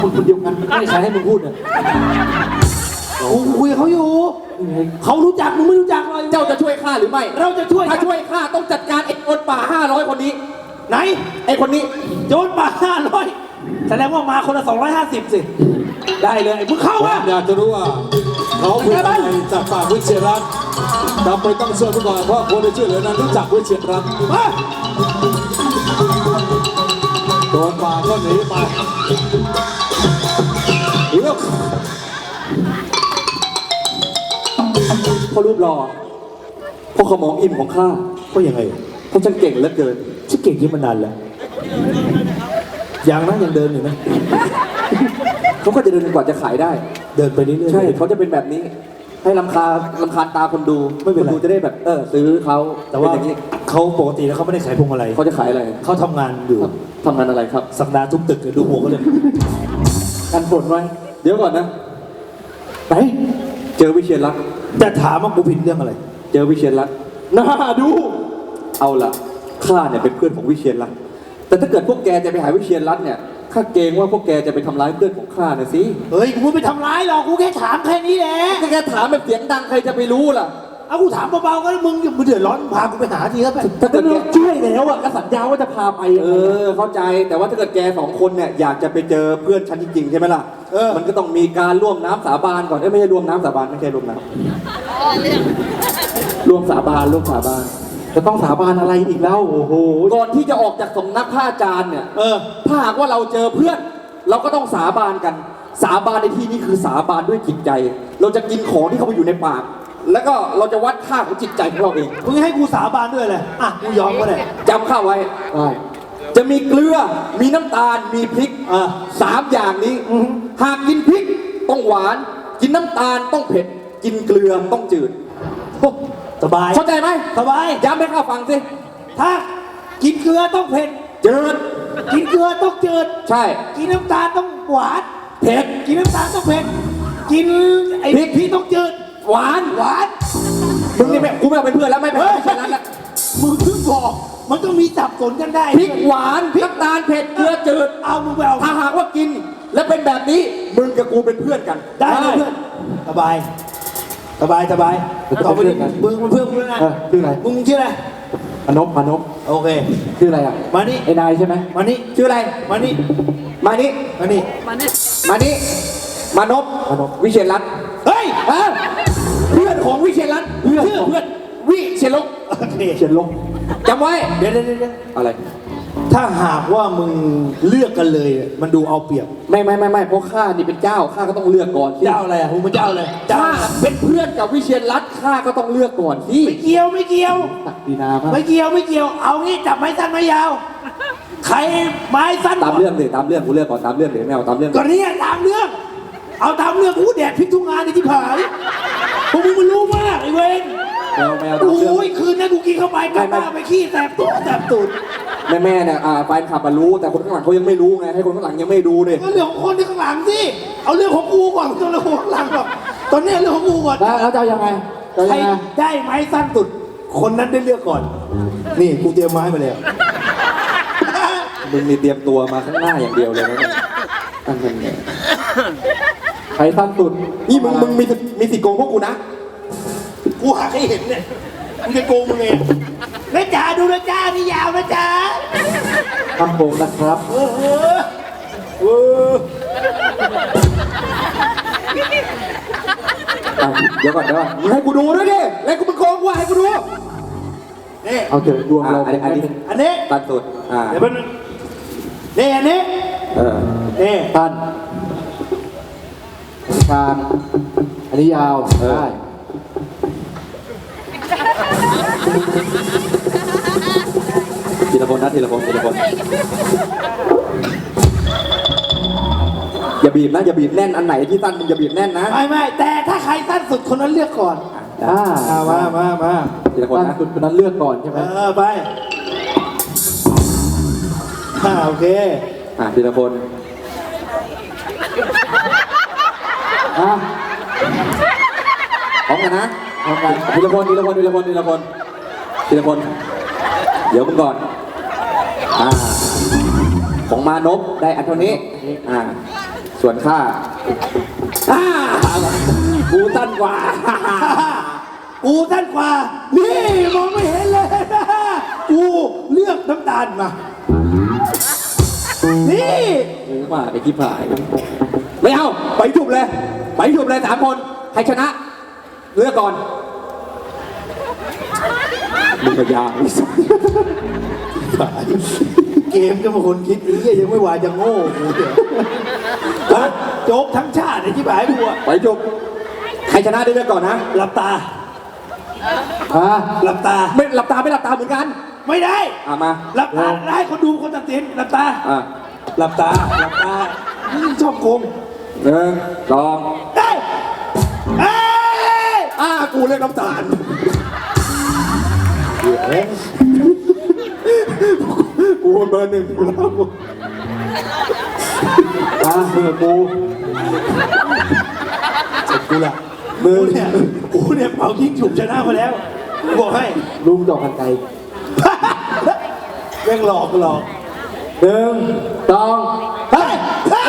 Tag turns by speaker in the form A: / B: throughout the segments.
A: คนเดียวกันไม่ใครให้มึงพูดเนี่ย
B: กูคุยกับเขาอยู่เขารู้จักมึงไม่รู้จักเลย
A: เจ้าจะช่วยข้าหรือไม่
B: เราจะช่วย
A: ถ้าช่วยข้าต้องจัดการไอ้โจรป่า500คนนี้
B: ไหน
A: ไอ้คนนี้
B: โจรป่า500แสดงว่ามาคนละ250สิได้เลยมึงเข้า
C: ผม
B: มา
C: อยากจะรู้ว่าเขาเป็นใครจากปากวิเชียรรัตน์จำเป็นต้องเชื่อผู้ก่อนเพราะคนที่ช่วยเหลือนั้นรู้จักวิเชียรรัตน์
B: มา
C: โดนป่าก็หนีไปเลือก
A: เพราะรูปหล่อเพราะขมองอิ่มของข้า
B: ก็ยังไง
A: เพราะฉันเก่งเหลือเกิน
B: ชื่อเก่งที่มานานแล้วยังนะยังเดินอยู่นะ
A: เขาก็จะเดินกว่าจะขายได้
B: เดินไปเรื่อยๆ
A: ใช่เขาจะเป็นแบบนี้ ให้รำคาญตาคนดู
B: ไม่เป็นไร
A: คนดูจะได้แบบซื้อเขา
B: แต่ว่า
A: เป็นอย่างนี้
B: เขาปกติแล้วเขาไม่ได้ขายพวงมาลัย
A: เขาจะขายอะไร
B: เขาทำงานอยู่
A: ทำงานอะไรครับ
B: สัปดาห์ทุกตึกเลยดูหัวเขาเลย
A: กันฝนไว้เดี๋ยวก่อนนะไหนเจอวิเชียรรัตน์
B: จะถามว่ากูผิดเรื่องอะไร
A: เจอวิเชียรรัตน์น่าดู เอาล่ะข้าเนี่ยเป็นเพื่อนของวิเชียรรัตน์แต่ถ้าเกิดพวกแกจะไปหาวิเชียรรัตน์เนี่ยข้าเกรงว่าพวกแกจะไปทำร้ายเพื่อนของข้านะสิ
B: เฮ้ยกูไม่ไปทำร้ายหรอกกูแค่ถามแค่นี้แหละ
A: ถ้าแกถามแบบเสียงดังใครจะไปรู้ล่ะ
B: เอากูถามเบาๆก็ได้มึงเดือดร้อนพากูไปหาทีแล้วไป
A: ถ้าเกิดแก
B: ช่วยแล้วอ่ะก็สัญญาว่าจะพาไป
A: เข้าใจแต่ว่าถ้าเกิดแกสองคนเนี่ยอยากจะไปเจอเพื่อนฉันจริงๆใช่ไหมล่ะมันก็ต้องมีการร่วมน้ำสาบานก่อนไม่ใช่ร่วมน้ำสาบานไม่ใช่ร่วมน้ำร่วมสาบาน
B: จะต้องสาบานอะไรอีกแล้วโอ้โห
A: ก่อนที่จะออกจากสำนักพระอาจารย์เนี่ยถ้าหากว่าเราเจอเพื่อน เราก็ต้องสาบานกัน สาบานในที่นี้คือสาบานด้วยจิตใจ เราจะกินของที่เขาไปอยู่ในปาก แล้วก็เราจะวัดค่าของจิตใจของเราเอง
B: มึงให้กูสาบานด้วยเลยอ่ะกูยอมก็ได้
A: จำข้าไว้จะมีเกลือมีน้ำตาลมีพริก3 อย่างนี้หากกินพริกต้องหวาน กินน้ำตาลต้องเผ็ด กินเกลือต้องจืด
B: สบาย
A: เข้าใจไหม
B: สบาย
A: ย้ำให้ข้าฟังสิ
B: ถ้ากินเกลือต้องเผ็ด
A: จืด
B: กินเกลือต้องจืด
A: ใช่
B: กินน้ำตาลต้องหวาน
A: เผ็ด
B: กินน้ำตาลต้องเผ็ดกินไอ้
A: พริก
B: พริกต้องจืด
A: หวาน
B: หวาน
A: มึงนี่กูไม่เอาเป็นเพื่อนแล้วไม่เป็นเพื่อนแล้ว
B: มึงเพิ่งบอกมันก็มีสับสนกันได้
A: พริกหวานน้ำตาลเผ็ดเกลือจืด
B: เอามึงไปเอา
A: ถ้าหากว่ากินและเป็นแบบนี้มึงกับกูเป็นเพื่อนกัน
B: ได้เลยเพื่อนสบายสบายสบายต่อไปนี้มึงเป็นเพื่อนกูแล้วนะ
A: ชื่ออะไร
B: มึงชื่ออะไร
A: มานพ
B: โอเค
A: ชื่ออะไรอ่ะ
B: มานี่
A: ไอ้นายใช่ไหม
B: มานี่
A: ชื่ออะไร
B: มานี่
A: มานี่
B: มานี่
A: มานี่มานพวิเชียรรัตน์
B: เฮ้ย
A: เพื่อนของวิเชียรรัตน์ชื่อเพื่อนวิเชียรลก
B: โอเค
A: เชียรลกจำไว้
B: เดี๋ยว
A: อะไร
B: ถ้าหากว่ามึงเลือกกันเลยมันดูเอาเปรียบ
A: ไม่เพราะข้านี่เป็นเจ้าข้าก็ต้องเลือกก่อนสิ
B: เจ้าอะไรอ่ะมึงเป็นเจ้าอะไรเจ้า
A: ถ้าเป็นเพื่อนกับวิเชียรรัตน์ข้าก็ต้องเลือกก่อนสิ
B: ไม่เกี่ยวไม่เกี่ยว
A: ตักดีนามาก
B: ไม่เกี่ยวไม่เกี่ยวเอางี้จับไม้สั้นไม้ยาวใครไม้สั้น
A: ตามเรื่องเลยตามเรื่องกูเลือกก่อนตามเรื่องเลยไม่เอาตามเรื่อง
B: ก่อนนี้ตามเรื่องเอาตามเรื่องกูแดดพริกทุกงานในที่ผายพวกมึงมันรู้มากไอ้เวน
A: แมวตามเรื่อง
B: โอ้ยคืนนั้นกูกินเข้าไปกลับบ้านไปขี้แสบตัวแสบตูด
A: แม่เนี่ยแฟนขับมารู้แต่คนข้างหลังเขายังไม่รู้ไงให้คนข้างหลังยังไม่ดูเลย
B: ก็เรื่องของคนที่ข้างหลังสิเอาเรื่องของกูก่อนตัวเรื่องของข้างหลังก่อนตอนนี้เรื่องของกูก่อน
A: แล้วจะเอายังไงจะ
B: ใคร
A: ยังไง
B: ได้ไม้สั้นสุด คนนั้นได้เลือกก่อน นี่กูเตรียมไม้มาแล้ว
A: มึงนี่เตรียมตัวมาข้างหน้าอย่างเดียวเลยนะเนี่ยอันนั้นเนี่ยใครสั้นสุดนี่มึงมีสิทธิ์โกงพวกกูนะ
B: กูหาให้เห็นเนี่ยมึงจะโกงมึงไงนะจ๊ะดูนะจ๊ะนี่ยาวนะจ๊ะ
A: ทำโกงนะครับ เดี๋ยวก่อนมึงให้กูดูด้วยดิแล้วกูมึงโกงกูให้กูดู
B: นี่
A: เอาเถอะดวงเราอันนี้
B: อันนี้
A: ตัดสุด
B: เดี๋ยวมันนี่อันนี้นี่
A: ตันกลางอันนี้ยาวได้ทีละคนนะทีละคนอย่าบีบนะอย่าบีบแน่นอันไหนที่สั้นมึงอย่าบีบแน่นนะ
B: ไม่แต่ถ้าใครสั้นสุดคนนั้นเลือกก่อนมา
A: ทีละคนนะคนนั้นเลือกก่อนใช่ไหม
B: ไปโอเค
A: ทีละคนพร้อมกันนะพร้อมกันทีละคนเดี๋ยวมึงก่อนของมานพได้อันเท่านี้ส่วนข้าอ่ากูสั้นกว่า
B: กูสั้นกว่า นี่มองไม่เห็นเลยนะกูเลือกน้ำตาลมา นี่
A: กูมาไอ้ที่ผายไม่เอาไปฉุบเลยไปฉุบเลย3 คนใครชนะเลือกก่อนมึงก็ยาก
B: เกมก็มาคนคิดอีกยังไม่ว่าจะโง่กูเดี๋ยวฮะโจ๊กทั้งชาติไอ้ที่หายกูอะ
A: ไปฉุบใครชนะได้เลือกก่อนนะ
B: หลับตา หลับตา
A: ไม่หลับตาไม่หลับตาเหมือนกัน
B: ไม่ได้
A: มา
B: หลับตาได้คนดูคนตัดสินหลับตา หลับตา หลับตานี่ชอบโกง
A: 1 2
B: ได้เอ้ย
A: กูเลือกน้ำตาลกูเบอร์ 1กูแล้วกูเบอร์กู
B: กูล่ะกูเนี่ยเป่ายิงฉุบชนะมาแล้วกูบอกให้
A: ลุงดอกกันไกล
B: แม่งหลอก
A: 1 2
B: เฮ้ย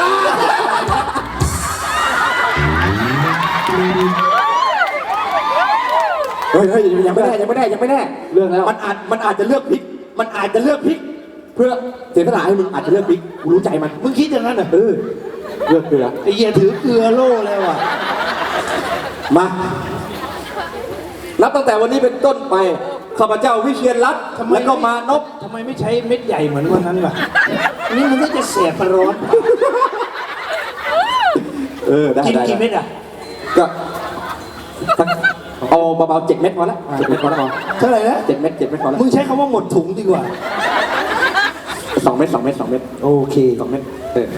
A: เฮ้ยยังไม่แน่เลือกแล้วมันอาจจะเลือกพลิกเพื่อเสียสละให้มึงอาจจะเลือกพลิกกูรู้ใจมัน
B: มึงคิดอย่างนั้นเหรอ
A: เลือกเกลือ
B: ไอ้เหี้ยถือเกลือโล่แล้วอ่ะ
A: มานับตั้งแต่วันนี้เป็นต้นไปข้าพเจ้าวิเชียรรัตน์และก็มานพ
B: ทำไมไม่ใช้เม็ดใหญ่เหมือนวันนั้นล่ะนี่มันก็จะแสบประร้อน
A: ได้
B: กินกี่เม็ดอ่ะ
A: ก็เอาเบาๆ7 เม็ดพอละ7 เม็ดพอละ
B: เท่าไหร่นะ
A: 7 เม็ดพอละ
B: มึงใช้คำว่าหมดถุงดีกว่า
A: 2 เม็ด2 เม็ด
B: โอเค
A: 2 เม็ด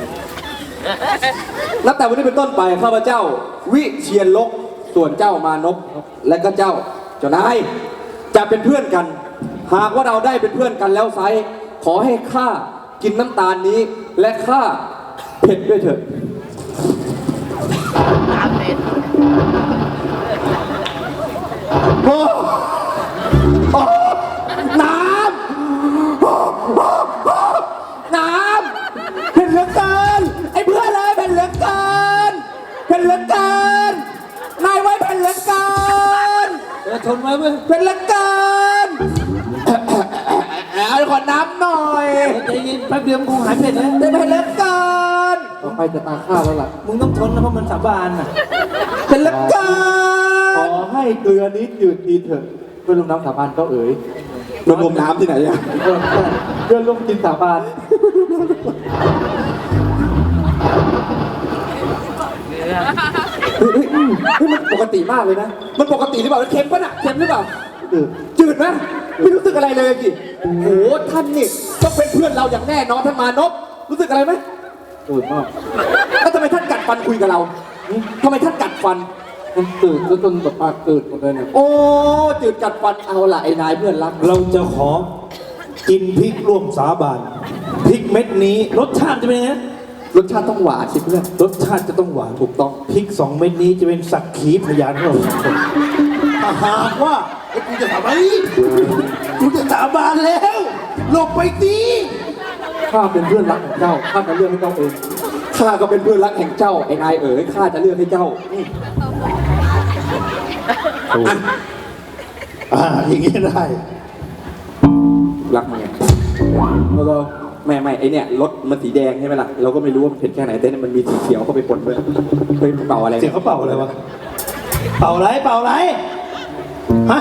A: นับแต่วันนี้เป็นต้นไปข้าพเจ้าวิเชียรลกส่วนเจ้ามานพและก็เจ้านายจะเป็นเพื่อนกัน หากว่าเราได้เป็นเพื่อนกันแล้วไซส์ขอให้ข้ากินน้ำตาลนี้และข้าเผ็ดด้วยเถอะน้ำเผ็ดเหลือเกินไอ้เพื่อนเลยเผ็ดเหลือเกินนายไว้เผ็ดเหลือเกิน
B: ทนไว้เว้ย
A: เผ็ดเหลือเกินเอาขอน้ำหน่อย
B: ใจเย็นแป๊บเดียวมึงคงหายเผ็ดแล้ว
A: เผ็ดเหลือเกินต่อไปจะตาข้าแล้วล่ะ
B: มึงต้องทนนะเพราะมันสาบานอ่ะ
A: เผ็ดเหลือเกิน
C: ขอให้เกลือนี้จืดดีเถอะเพื่อนลุงน้ำสาบานก็เอ๋ย
A: รวมน้ำที่ไหนอะ
C: เพื่อนลุงกินสาบาน
A: มันปกติมากเลยนะมันปกติหรือเปล่าเค็มปะน่ะเค็มหรือเปล่าจืดไหมไม่รู้สึกอะไรเลยกิโอ้โหท่านนี่ต้องเป็นเพื่อนเราอย่างแน่นอนท่านมานพรู้สึกอะไรไหม
C: ตื่นมาก
A: แล้วทำไมท่านกัดฟันคุยกับเราทำไมท่านกัดฟัน
C: มันตื่นแล้วจนแบบปากตื่นหมดเลยเนี่ย
A: โอ้จืดกัดฟันเอาละไอ้นายเพื่อนรัก
B: เราจะขอกินพริกร่วมสาบานพริกเม็ดนี้รสชาติจะเป็นยังไง
A: รสชาติต้องหวานสิเพื่อน
B: รสชาติจะต้องหวาน
A: ถูกต้อง
B: พริก2 เม็ดนี้จะเป็นสักขีพยานของเราสองคนถ้าหากว่าไอ้กูจะทำไมกูจะสาบานแล้วหลบไปสิ
C: ข้าเป็นเพื่อนรักของเจ้าข้าจะเลือกให้เจ้าเอง
A: ข้าก็เป็นเพื่อนรักแห่งเจ้าไอ้นายเอ๋ยข้าจะเลือกให้เจ้า
B: อย่างนี้ได้
A: รักมึงไงแล้วก็ไม่ไอเนี่ยรถมันสีแดงใช่ไหมล่ะเราก็ไม่รู้ว่ามันเผ็ดแค่ไหนแต่เนี่ยมันมีสีเขียวเข้าไปปนด้วยเฮ้ยเป่าอะไร
B: เสียงเขาเป่าอะไรวะเป่าอะไรฮะ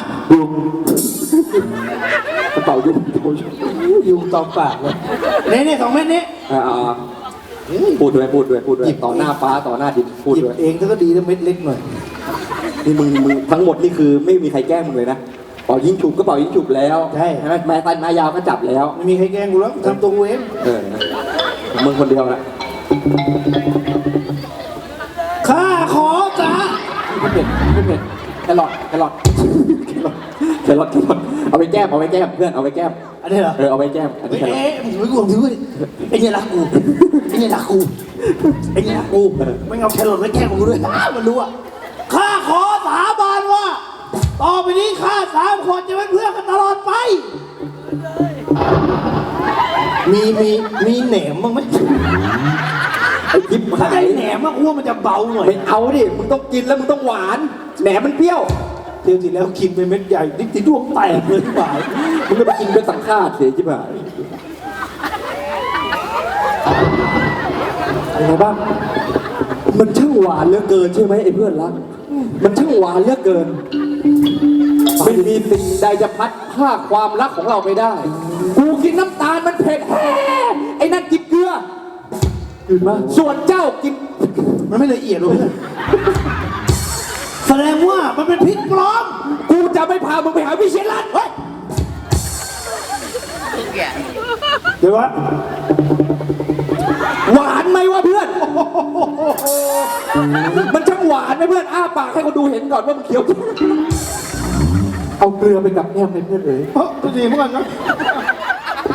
A: เป่ายุ่ง
B: ยุงตอมปากเลยนี่2 เม็ดนี้
A: พูดด้วยต่อหน้าฟ้าต่อหน้าดินพูด
B: หยิบ
A: ด้วย
B: เองก็ดีแล้วเม็ดเล็กหน่อย
A: นี่มึงทั้งหมดนี่คือไม่มีใครแกล้งมึงเลยนะเป่ายิงฉุบก็เป่ายิงฉุบแล้วใช่ไหมไม้ตันไม้ยาวก็จับแล้ว
B: ไม่มีใครแกล้งกูแล้วทำตัวกูเอง
A: มึงคนเดียวนะ
B: ข้าขอจ้า
A: ไม่เผ็ดแครอทเอาไปแก้มเพื่อนเอาไปแก้ม
B: อันนี้เหรอ
A: เอาไปแก้มอันนี้แครอท
B: มึงไม่กลัวถือดิไอ้เนี่ยรักกูไม่เอาแครอทไว้แกล้งกูด้วยมันรู้อ่ะข้าขอสาบานว่าต่อไปนี้ข้า3 คนจะเป็นเพื่อนกันตลอดไป มีแหนมบ้างไหม
A: ไอ้ทิพย์
B: ถ้า
A: หา
B: ได้
A: ย
B: แหนมมากว่ามันจะเบาหน่อย
A: ไม่เอาดิมึงต้องกินแล้วมึงต้องหวานแหนมมันเปรี้ยว
B: เที่ยวที่แล้วกินไปเม็ดใหญ่นิดที่ดวงแตกเลยที่บ่าย
A: มึงก็ไปกินเป็นสังฆาตเสียจิ๋วเป็นไงบ้างมันช่างหวานเหลือเกินใช่ไหมไอ้เพื่อนรักมันช่างหวานเหลือเกินไม่มีสิ่งใดจะพัดพรากความรักของเราไปได้ กูกินน้ำตาลมันเผ็ดแฮ่ไอ้นั่นกินเกลือยืนมาส่วนเจ้ากิน
B: มันไม่ละเอียดเลยแสดงว่ามันเป็นพริกปลอม
A: กูจะไม่พามึงไปหาวิเชียรรัตน์เฮ้ย
B: เดี๋ยววะ
A: หวานไหมวะเพื่อน มันช่างหวานไหมเพื่อน อ้าปากให้คนดูเห็นก่อนว่ามันเคี้ยว เอาเกลือไปกับแก้มให้เพื่อนเอ๋ย
B: เฮ้ยดีเหมือนกันนะ